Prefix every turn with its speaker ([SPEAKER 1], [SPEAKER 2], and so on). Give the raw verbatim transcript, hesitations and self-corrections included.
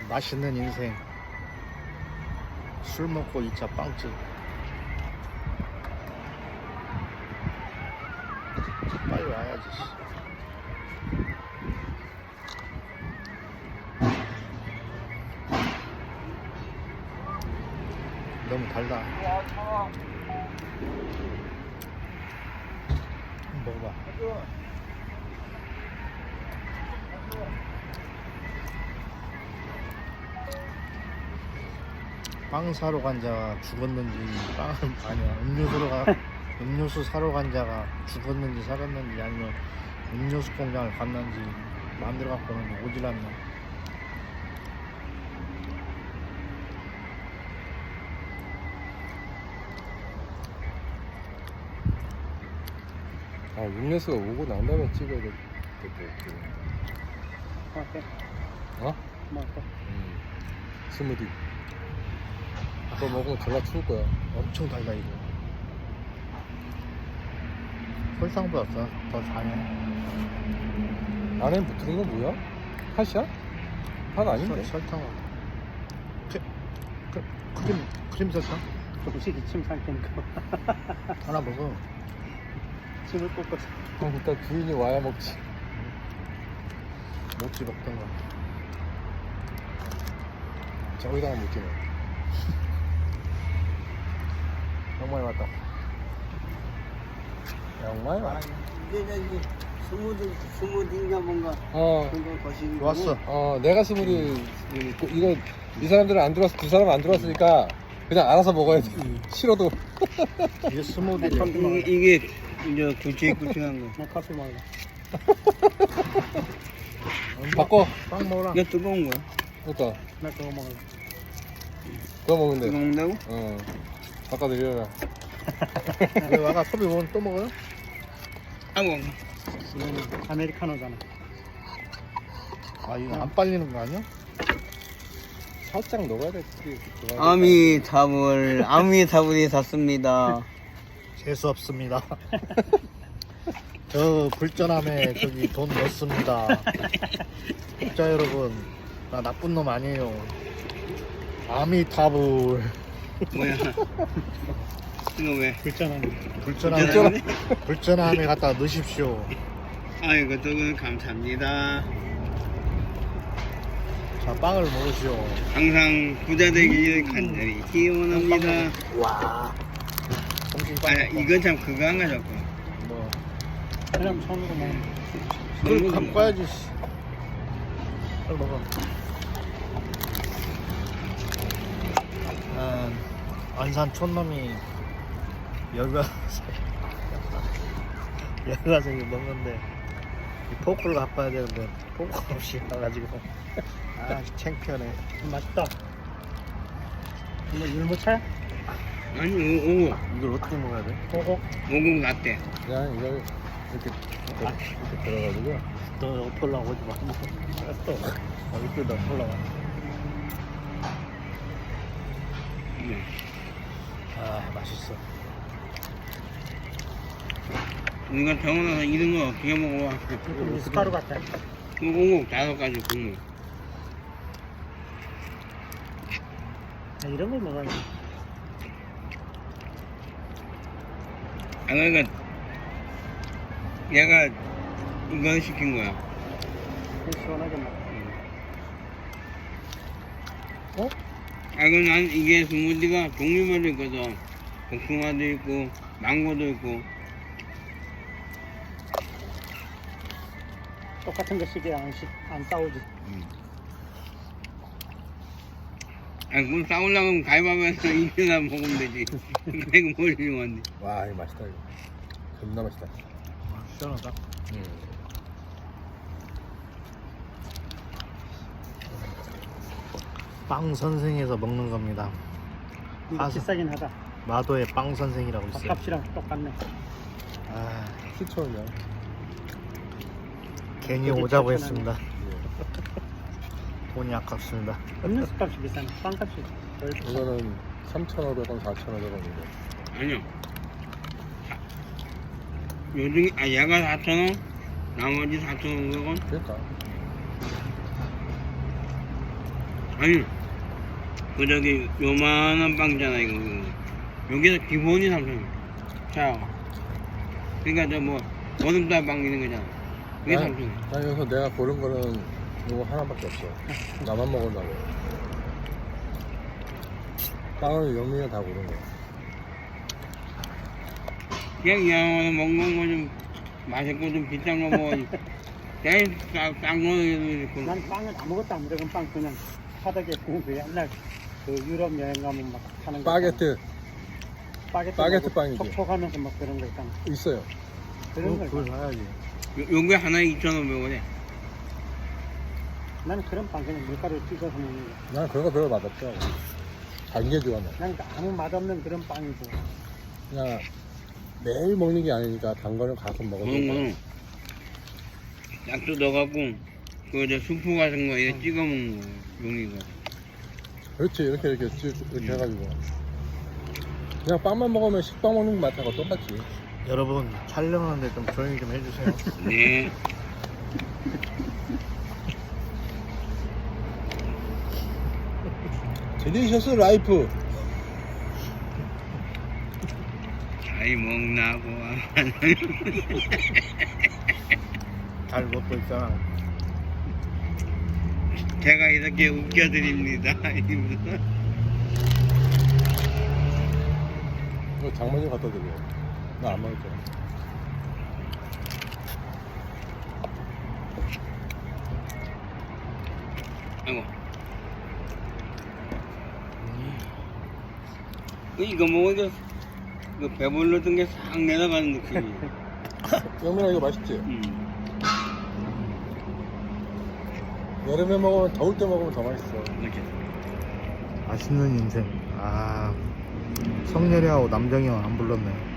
[SPEAKER 1] 맛있는 인생. 술 먹고 이 차 빵집. 빨리 와야지. 너무 달다. 한번 먹어봐. 빵 사러 간 자가 죽었는지, 빵 아니야 음료수로 가 음료수 사러 간 자가 죽었는지 살았는지, 아니면 음료수 공장을 갔는지 마음대로 갖고는 오질 않나.
[SPEAKER 2] 아, 음료수가 오고 난 다음에 찍어야 될
[SPEAKER 3] 맞다.
[SPEAKER 2] 어?
[SPEAKER 3] 맞다.
[SPEAKER 2] 음. 스무디. 그거 먹으면 졸라 추울 거야.
[SPEAKER 1] 엄청 달다 이거. 설탕보다 더, 더 자네.
[SPEAKER 2] 안에 붙은 건 뭐야? 팥이야? 팥 아닌데?
[SPEAKER 1] 설, 설탕하고 크, 크, 크림 크림 설탕
[SPEAKER 3] 조금씩 침 삼키니까
[SPEAKER 1] 하나 먹어.
[SPEAKER 3] 침을 꽂고.
[SPEAKER 2] 어, 일단 부인이 와야 먹지.
[SPEAKER 1] 먹지 먹던가.
[SPEAKER 2] 저기다가 먹기는.
[SPEAKER 1] 정말 왔다.
[SPEAKER 2] 양말 와.
[SPEAKER 4] 이제 저기 스무디 스무디인가 뭔가
[SPEAKER 2] 어,
[SPEAKER 4] 그거 거시기
[SPEAKER 1] 왔어.
[SPEAKER 2] 어, 내가 스무디 이거, 이거 이 사람들은 안 들어왔어. 두 사람은 안 들어왔으니까 그냥 알아서 먹어야 돼. 싫어도.
[SPEAKER 1] 이게 스무디.
[SPEAKER 4] 이게, 이게 이제 굵직굵직한 거.
[SPEAKER 3] 나 커피 먹어.
[SPEAKER 2] 바꿔.
[SPEAKER 1] 빵 먹어라.
[SPEAKER 4] 이게 뜨거운 거야.
[SPEAKER 2] 그러니까
[SPEAKER 3] 나 그거 먹어.
[SPEAKER 2] 그거 먹으면 돼.
[SPEAKER 4] 뜨거 먹는다고?
[SPEAKER 2] 어. 바꿔드려라.
[SPEAKER 1] 왜 와가 커피 먹으면 또 먹어요?
[SPEAKER 4] 아고
[SPEAKER 3] 이거는 아메리카노잖아.
[SPEAKER 1] 아 이거 안 빨리는 거 아니야?
[SPEAKER 2] 살짝 녹아야 돼.
[SPEAKER 4] 아미타불 아미타불이 샀습니다.
[SPEAKER 1] 재수 없습니다. 저 불전함에 저기 돈 넣습니다. 독자 여러분, 나 나쁜 놈 아니에요. 아미타불.
[SPEAKER 4] 뭐야? 이거 왜?
[SPEAKER 3] 불편하네.
[SPEAKER 1] 불전함에 불전함에 갖다 넣으십시오.
[SPEAKER 4] 아이고 저거 감사합니다.
[SPEAKER 1] 자 빵을 먹으시오.
[SPEAKER 4] 항상 부자 되길 간절히 기원합니다.
[SPEAKER 1] 와. 정신빵.
[SPEAKER 4] 아 이건 참 그거 안 가졌고.
[SPEAKER 1] 뭐
[SPEAKER 3] 그냥 손으로 먹는 거.
[SPEAKER 1] 그걸 갖고 와야지. 씨. 빨리 먹어. 아, 안산 촌놈이 여기 와서 여기 와서 이거 먹는데 이 포크를 갖고 와야 되는데 포크 없이 와가지고 아 창피하네.
[SPEAKER 3] 맛있다. 이거 율무차야?
[SPEAKER 4] 아니 오, 오고
[SPEAKER 1] 이걸 어떻게 먹어야 돼?
[SPEAKER 3] 오고.
[SPEAKER 4] 오고 났대.
[SPEAKER 2] 그냥 이걸 이렇게, 이렇게, 이렇게 들어가지고.
[SPEAKER 1] 너 옆에 올라오지 마. 또 어디 또 옆에 올라와.
[SPEAKER 4] 네.
[SPEAKER 1] 아 맛있어.
[SPEAKER 4] 우리가 병원 와서 이런 거 어떻게 먹어봐?
[SPEAKER 3] 미숫가루 같아.
[SPEAKER 4] 오고 다섯 가지 국물.
[SPEAKER 3] 야, 이런 걸 먹어야지.
[SPEAKER 4] 아 그러니까 얘가 이거 시킨 거야.
[SPEAKER 3] 시원하게 먹어.
[SPEAKER 2] 어?
[SPEAKER 4] 아 그럼 난 이게 스무디가 종류별로 있거든. 복숭아도 있고 망고도 있고.
[SPEAKER 3] 똑같은 거 시계 안, 시, 안 싸우지.
[SPEAKER 4] 아 그럼 싸우려면 가위바위보해서 이기나 먹으면 되지. 이거 뭘 이용한데?
[SPEAKER 2] 와, 이거 맛있다, 이거. 겁나 맛있다.
[SPEAKER 1] 아, 시원하다.
[SPEAKER 2] 음.
[SPEAKER 1] 빵 선생에서 먹는 겁니다.
[SPEAKER 3] 이거
[SPEAKER 1] 아,
[SPEAKER 3] 비싸긴 하다.
[SPEAKER 1] 마도의 빵 선생이라고 있어요.
[SPEAKER 3] 밥값이랑 똑같네.
[SPEAKER 1] 아,
[SPEAKER 2] 칠천 원이야.
[SPEAKER 1] 괜히
[SPEAKER 3] 여기
[SPEAKER 1] 오자고
[SPEAKER 3] 칠천
[SPEAKER 1] 했습니다. 돈이 아깝습니다.
[SPEAKER 3] 음료수 값이 비싸네. 빵값이 덜 비싸.
[SPEAKER 2] 이거는 삼천오백 원, 사천오백 원이고.
[SPEAKER 4] 아니요. 사- 요즘 아 얘가 사천 원, 나머지 사천오백 원.
[SPEAKER 2] 그러니까.
[SPEAKER 4] 아니 그 저기 요만한 빵잖아 이거 여기서 기본이 삼성이야. 자 그러니까 저 뭐 얼음달 빵 있는 거잖아. 그게
[SPEAKER 2] 난,
[SPEAKER 4] 삼성이야.
[SPEAKER 2] 난 여기서 내가 고른 거는 이거 하나밖에 없어. 나만 먹으려고. 빵을 영민이가 다 고른 거야.
[SPEAKER 4] 그냥 양호는 먹는 거 좀 맛있고 좀 비싼 거 먹어. 제일 싼 거는
[SPEAKER 3] 난 빵은 아무것도 안 들어간 빵 그냥 바닥에 구운 그 옛날 그 유럽 여행 가면 막 하는 거
[SPEAKER 2] 바게트
[SPEAKER 3] 바게트,
[SPEAKER 2] 바게트
[SPEAKER 3] 먹고
[SPEAKER 2] 빵이지.
[SPEAKER 3] 촉촉하면서 막 그런 거 있잖아.
[SPEAKER 2] 있어요.
[SPEAKER 3] 그런
[SPEAKER 1] 그거,
[SPEAKER 3] 걸
[SPEAKER 1] 그걸 사야지.
[SPEAKER 4] 요게 하나에 이천오백 원에.
[SPEAKER 3] 나는 그런 빵 그냥 밀가루 찍어서 먹는 거.
[SPEAKER 2] 난 그런 거 별로 맛없어. 단 게 좋아 나.
[SPEAKER 3] 난 아무 맛없는 그런 빵이 좋아.
[SPEAKER 2] 그냥 매일 먹는 게 아니니까 단 거는 가끔 먹어도
[SPEAKER 4] 그런
[SPEAKER 2] 돼.
[SPEAKER 4] 거는 약도 넣어갖고 그저 수프 같은 거 이거 찍어 먹는 거 용이가.
[SPEAKER 2] 그렇지 이렇게 이렇게 쭉 이렇게 해가지고 그냥 빵만 먹으면 식빵 먹는 맛하고 똑같지.
[SPEAKER 1] 여러분 촬영하는데 좀 조용히 좀 해주세요.
[SPEAKER 4] 네.
[SPEAKER 2] 딜리셔스 라이프.
[SPEAKER 4] 잘 먹나 보아.
[SPEAKER 1] 잘 먹고 있잖아.
[SPEAKER 4] 제가 이렇게 웃겨드립니다. 이러면서.
[SPEAKER 2] 이거 장모님 갖다 드려. 나 안 먹을 거야.
[SPEAKER 4] 아이고. 이거 먹으니까 그 배불렀던 게 싹 내려가는 느낌이에요.
[SPEAKER 2] 영민아 이거 맛있지?
[SPEAKER 4] 음.
[SPEAKER 2] 여름에 먹으면 더울 때 먹으면 더 맛있어.
[SPEAKER 4] 이렇게.
[SPEAKER 1] 맛있는 인생. 아 성렬이하고 남정이 형 안 불렀네.